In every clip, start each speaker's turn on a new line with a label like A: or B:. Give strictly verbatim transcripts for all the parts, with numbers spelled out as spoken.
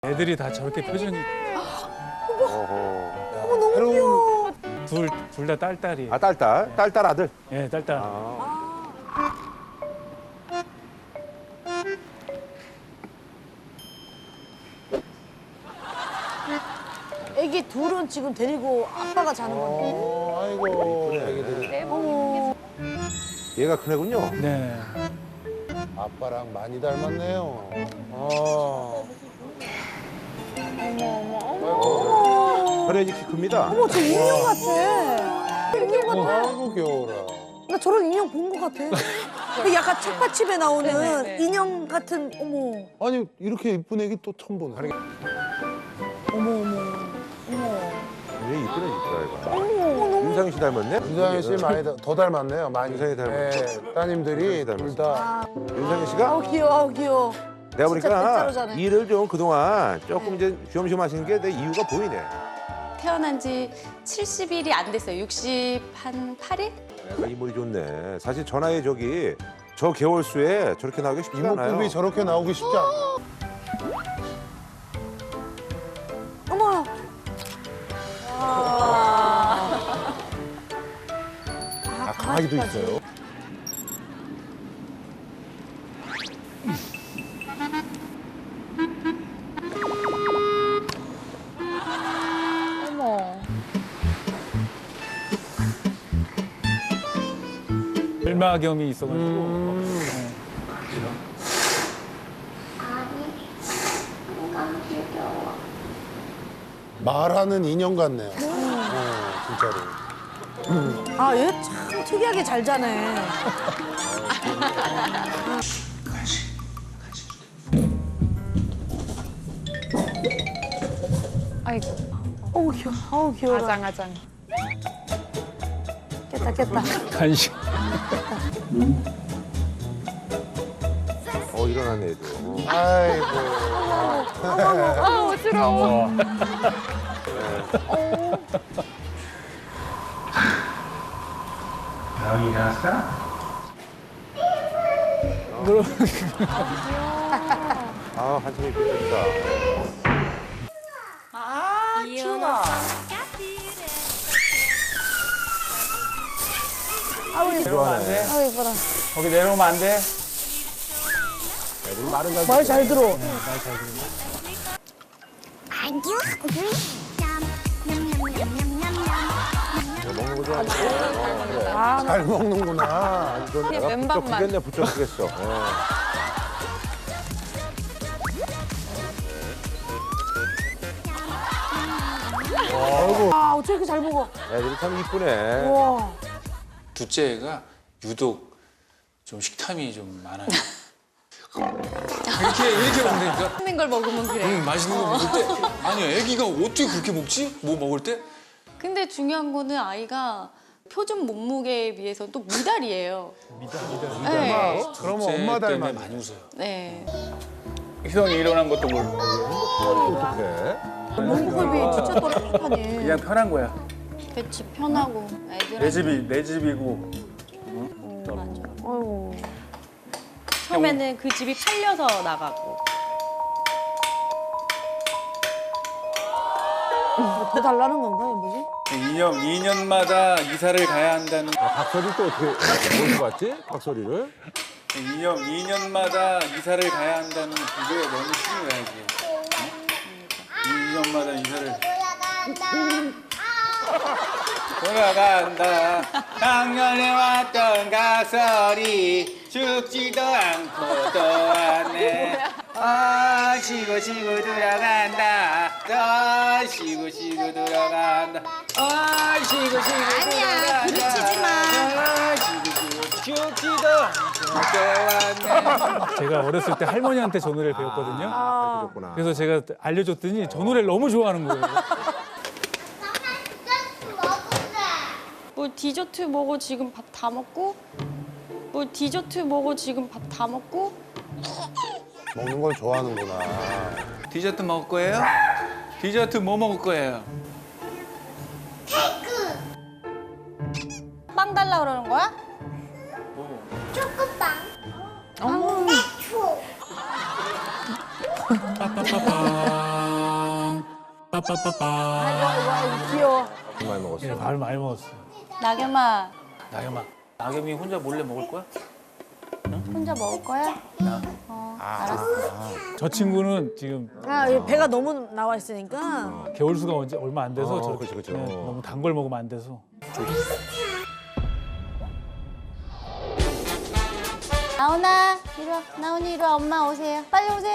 A: 애들이 다 저렇게 표정이
B: 어머, 너무 귀여워.
A: 둘 둘 다 딸딸이에요.
C: 아, 딸딸? 딸딸 아들?
A: 예, 딸딸.
C: 아.
B: 애기 둘은 지금 데리고 아빠가 자는 건데.
D: 어, 아이고, 애기들이
B: 어머.
C: 얘가 큰 애군요.
A: 네.
D: 아빠랑 많이 닮았네요. 어.
C: 혈액이 키 큽니다.
B: 어머, 저 인형 같아. 인형 같아.
D: 아이고, 귀여워라.
B: 나 저런 인형 본 것 같아. 그 약간 책받침에 나오는
E: 네네네.
B: 인형 같은, 어머.
D: 아니, 이렇게 이쁜 애기 또 처음 보네.
B: 어머, 어머. 어머.
C: 얘 이쁘네, 이쁘다, 얘가.
B: 어머, 너무.
C: 윤상희 씨 닮았네?
D: 윤상희 씨 많이 더, 더 닮았네요, 많이.
C: 윤상희 닮았죠.
D: 네, 따님들이
C: 윤상희
D: 둘 다.
C: 윤상희 씨가
B: 아우, 귀여워, 아우, 귀여워.
C: 내가
B: 진짜
C: 보니까
B: 진짜로 잘해.
C: 일을 좀 그동안 조금 이제 쉬엄쉬엄 하시는 게 내 이유가 보이네.
E: 태어난 지 칠십 일이 안 됐어요. 육십팔 일?
C: 내가 이물이 좋네. 사실 전화에 저기 저 개월수에 저렇게 나오기 쉽지가 않아요.
D: 이목구비 저렇게 나오기 쉽지 않아.
B: 어머.
D: 아, 강아지도 있어요.
A: 일마겸이 있어가지고.
D: 음. 말하는 인형 같네요. 어, 진짜로.
B: 아, 얘 참 특이하게 잘 자네.
E: 아이고,
B: 어우, 귀여워. 어우, 귀여워.
E: 아장아장.
B: 깼다, 깼다.
A: 간식.
C: 어, 일어나네, 얘도.
D: 아이고.
E: 아, 어지러워.
C: 아, 한참이 있겠다.
E: 아, 키우다.
A: 내려오면 안 돼?
B: 아우, 이뻐라.
A: 거기 내려오면 안 돼?
C: 애들이 말은 잘
B: 말 잘 들어.
C: 듣네. 먹는 거 좋아하는데.
D: 잘 먹는구나.
C: 이건 내가 부쩍
E: 왼밥만.
C: 크겠네, 부쩍 크겠어. 예.
B: 아, 어떻게 이렇게 잘 먹어.
C: 애들이 참 이쁘네.
B: 와.
F: 둘째 애가 유독 좀 식탐이 좀 많아요. 이렇게 이렇게 먹으니까
E: 맛있는 걸 먹으면 그래.
F: 음, 맛있는 거 먹을 때 아니 애기가 어떻게 그렇게 먹지? 뭐 먹을 때?
E: 근데 중요한 거는 아이가 표준 몸무게에 비해서 또 미달이에요. 미달, 미달, 네.
D: 그러면
F: 둘째
D: 엄마
F: 때문에
D: 닮았네.
F: 많이 웃어요.
E: 네.
A: 희성이 일어난 것도 모르고.
C: 어떡해.
B: 몸급이 진짜 또렷하네.
A: 그냥 편한 거야.
E: 그치, 편하고 애들한테.
A: 내 집이 내 집이고.
E: 음, 맞아.
B: 아이고.
E: 처음에는 그 집이 팔려서 나가고.
B: 더 달라는 건가, 이거 뭐지?
A: 이 년 이 년마다 이사를 가야 한다는.
C: 박소리 또 어떻게, 어디서 봤지? 박소리를?
A: 이 년 이 년마다 이사를 가야 한다는 그게 너무 싫은 거야 이게. 이 년마다 이사를. 돌아간다. 작년에 왔던 각설이 죽지도 않고 또 왔네. 아 쉬고 쉬고 돌아간다. 아 쉬고 쉬고 돌아간다. 아 쉬고 쉬고 돌아간다.
B: 아니야, 부딪히지 마.
A: 아 쉬고 쉬고 죽지도 않고 또 왔네. 제가 어렸을 때 할머니한테 저 노래를 배웠거든요.
C: 아, 그렇구나.
A: 그래서 제가 알려줬더니 저 노래를 너무 좋아하는 거예요.
E: 뭐 디저트 먹어 지금 밥 다 먹고? 뭐 디저트 먹어 지금 밥 다 먹고?
D: 먹는 걸 좋아하는구나.
A: 디저트 먹을 거예요? 디저트 뭐 먹을 거예요?
E: 빵 달라 그러는 거야?
G: 초코빵.
E: 어머.
G: 초.
A: 빠빠빠빠.
B: 아이고 아이고 아이고 귀여워.
C: 많이 먹었어.
G: 예, 밥 많이 먹었어.
E: 나겸아,
F: 나겸아, 나겸이 혼자 몰래 먹을 거야?
E: 혼자 먹을 거야? 어, 알았어.
G: 저 친구는 지금
B: 아 이 배가 너무 나와 있으니까.
G: 개월수가 언제 얼마 안 돼서
C: 어,
G: 저렇게
C: 그치, 그치.
G: 네,
C: 어.
G: 너무 단 걸 먹으면 안 돼서.
E: 나훈아, 이리 와. 나훈이 이리 와. 엄마 오세요. 빨리 오세요.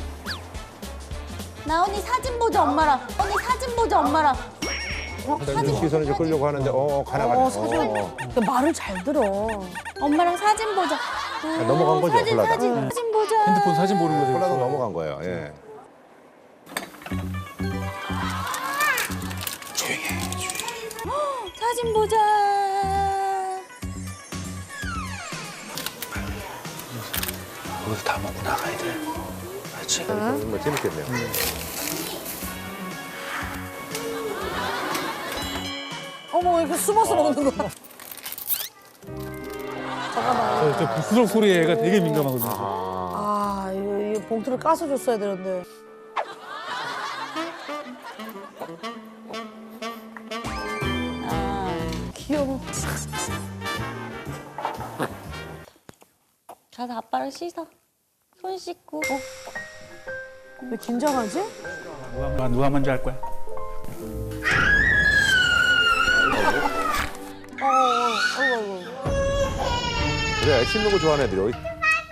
E: 나훈이 사진 보자 엄마랑. 언니 사진 보자 엄마랑.
C: 사진 시선을 좀 끌려고 하는데 어, 어 가나 가나.
B: 어 사실
C: 어,
B: 그 말을 잘 들어.
E: 엄마랑 사진 보자. 오,
C: 넘어간 거죠,
E: 사진
C: 콜라다.
E: 사진
G: 네.
E: 사진 보자.
G: 핸드폰 사진 보는 거 되게
C: 콜라도
G: 좋아해요.
C: 넘어간 거예요. 예.
E: 사진 보자.
F: 여기서 다 먹고 나가야 돼. 알지?
C: 정말 재밌겠네요.
B: 어머 이렇게 숨어서 먹는 거야.
G: 저, 저 부스럭 소리에 애가 되게 민감하거든요.
B: 아 이거, 이거 봉투를 까서 줬어야 되는데.
E: 귀여워. 가서 아빠랑 씻어. 손 씻고. 어?
B: 왜 긴장하지?
G: 누가, 누가 먼저 할 거야?
B: 어, 어, 아이고 아이고.
C: 그래 씹는 거 좋아하는 애들이 어디?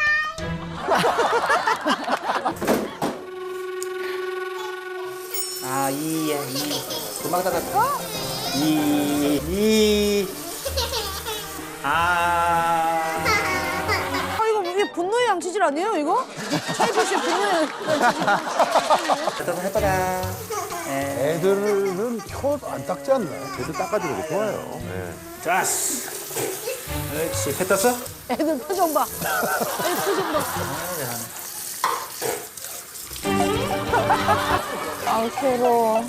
F: 아, 이야, 이. 금방 닫았다. 이, 이. 아.
B: 아 이거 이게 분노의 양치질 아니에요 이거? 차이프 씨 분노의 양치질.
F: 닫아서 해봐라.
D: 애들은 혀 안 닦지 않나요?
C: 걔도 닦아주는 게 좋아요. 예.
F: 좋았어. 그렇지. 배 떴어?
B: 애들 표정 봐. 애들 표정 봐.
E: 아 괴로워.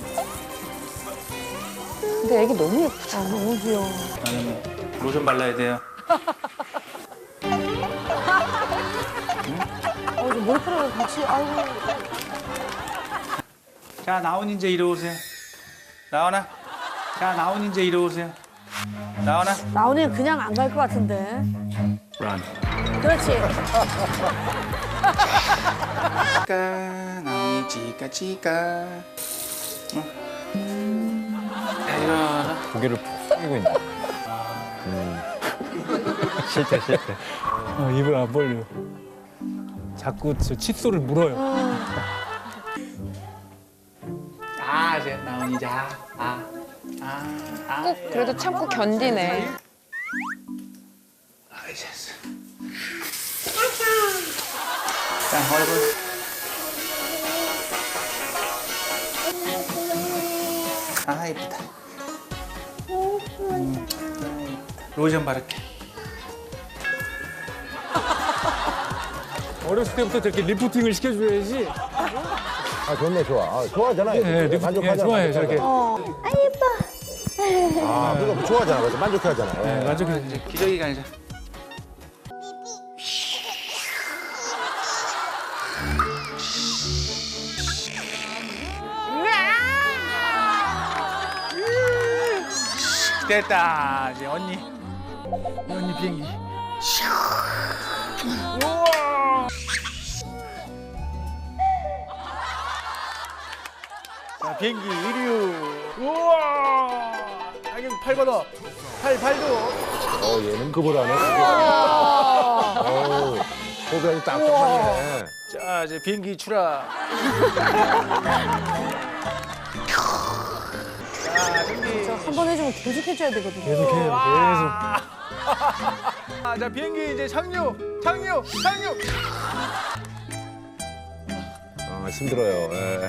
E: 근데 애기 너무 예쁘다.
B: 아 너무 귀여워.
F: 나는 로션 발라야 돼요.
B: 어 이제 머리카락을 같이 아이고.
F: 자, 나온 이제 이리 오세요. 나오나? 자, 나온 이제 이리 오세요. 나오나?
B: 나훈이는 그냥 안 갈 것 같은데.
F: Run.
B: 그렇지.
F: 까 나오니 지까 지까. 어. 야, 일어나.
H: 고개를 푹 숙이고 있네. 싫대 싫대.
G: 어, 입을 안 벌려. 자꾸 저 칫솔을 물어요.
F: 아, 이제 나오니 자. 아, 아, 아.
I: 꼭 그래도 참고 견디네.
F: 아, 이제. 자, 얼굴. 아, 이쁘다. 음, 로션 바를게.
G: 어렸을 때부터 저렇게 리프팅을 시켜줘야지.
C: 아 좋네 좋아. 아, 좋아하잖아. 애들.
G: 네, 리프, 예,
C: 만족하잖아.
G: 좋아해요
C: 만족하잖아.
G: 저렇게.
C: 아 그거 좋아하잖아. 맞아. 만족해하잖아. 예.
G: 네, 만족해.
F: 이제 기저귀가 아니라. 됐다. 이제 언니. 이 언니 비행기. 자, 비행기 이류. 우와. 자기 팔 걷어. 팔, 팔도.
C: 어 얘는 급을 하네. 어우 호흡이 아주 딱딱하네.
F: 자, 이제 비행기 출하. 자, 준비.
B: 한 번 해주면 계속 해줘야 되거든요.
G: 계속해요. 계속.
F: 아, 자, 비행기 이제 착륙, 착륙, 착륙.
C: 아 힘들어요. 예.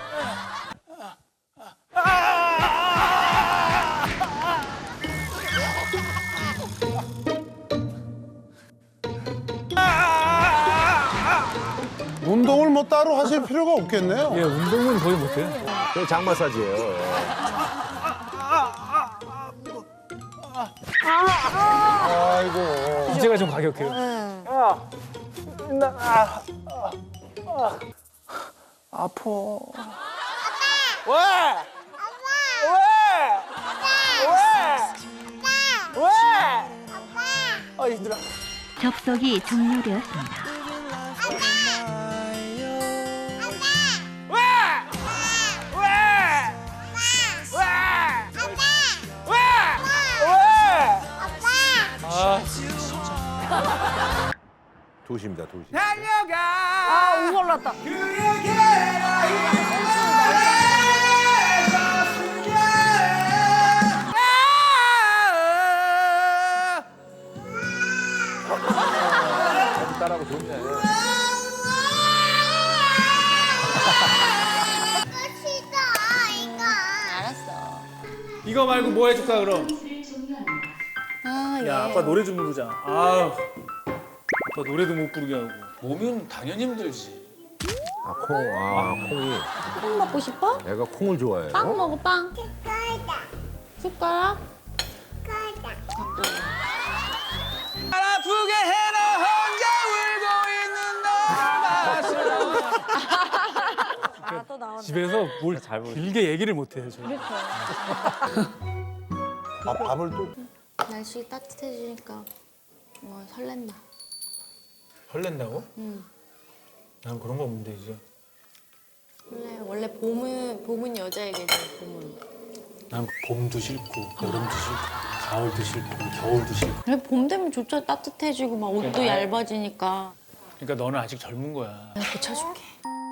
D: 운동을 뭐 따로 하실 필요가 없겠네요.
G: 예, 운동은 거의 못해요.
C: 그 장 마사지예요. 예.
D: 아이고.
G: 이제가 좀 가격해요.
F: 아파.
J: 접속이 종료되었습니다.
C: 도시입니다, 도시.
B: 아, 우올랐다
C: 따라하고 좋네.
E: 알았어.
F: 이거 말고 뭐 해줄까 그럼?
E: 아,
F: 야 아빠 노래 좀 부르자. 아우 아빠 노래도 못 부르게 하고. 몸은 당연히 힘들지.
C: 아, 콩, 아, 콩이.
E: 빵 먹고 싶어?
C: 애가 콩을 좋아해요.
E: 빵 먹어, 빵. 숟가락?
F: 아프게 해라 혼자 울고 있는 너
B: 아, 또 나온다.
G: 집에서 뭘
H: 잘 부르-
G: 길게 얘기를 못 해요. 저.
D: 아, 밥을 또
E: 날씨 따뜻해지니까 뭐 설렌다.
G: 설렌다고?
E: 응.
G: 난 그런 거 없는데 이제.
E: 원래 원래 봄은 봄은 여자에게죠. 봄은.
G: 난 봄도 싫고 여름도 싫고 가을도 싫고 겨울도 싫고.
E: 그래 봄 되면 좋죠. 따뜻해지고 막 옷도 얇아지니까.
G: 그러니까 너는 아직 젊은 거야.
E: 내가 고쳐줄게.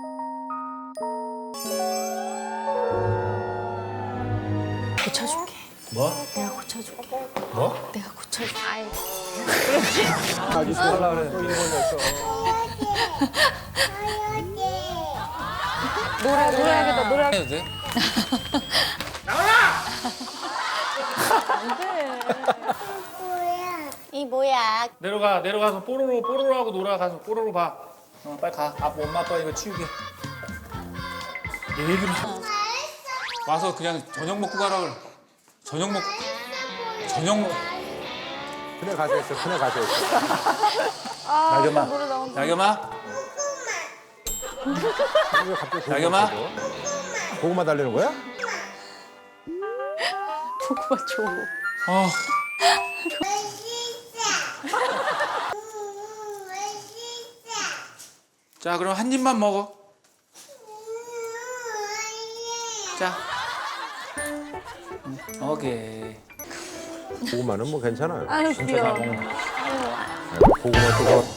E: 고쳐줄게.
G: 뭐?
E: 내가 고쳐줄게.
G: 뭐?
E: 내가 고쳐줄게.
C: 아주 좋아라 그래. 또 일본이었어.
B: 노래, 노래하겠다, 노래.
F: 해도 돼?
E: 이 뭐야?
F: 내려가 내려가서 뽀로로 뽀로로 하고 놀아 가서 뽀로로 봐. 어 빨리 가. 아빠 엄마 아빠 이거 치우게. 얘기를 하- 와서 그냥 저녁 먹고 가라 그래. 저녁 먹 저녁 먹.
C: 큰애 가서 했어, 큰애 가서 했어.
B: 아,
F: 나겸아.
B: 노래 나온다.
F: 나겸아.
C: 왜 갑자기 고구마
F: 나겸아?
C: 줘? 고구마 달래는 거야?
E: 고구마 줘.
F: 어. 자 그럼 한 입만 먹어. 자. 응, 오케이.
C: 고구마는 뭐 괜찮아요.
B: 아유, 귀여워.
C: 고구마 또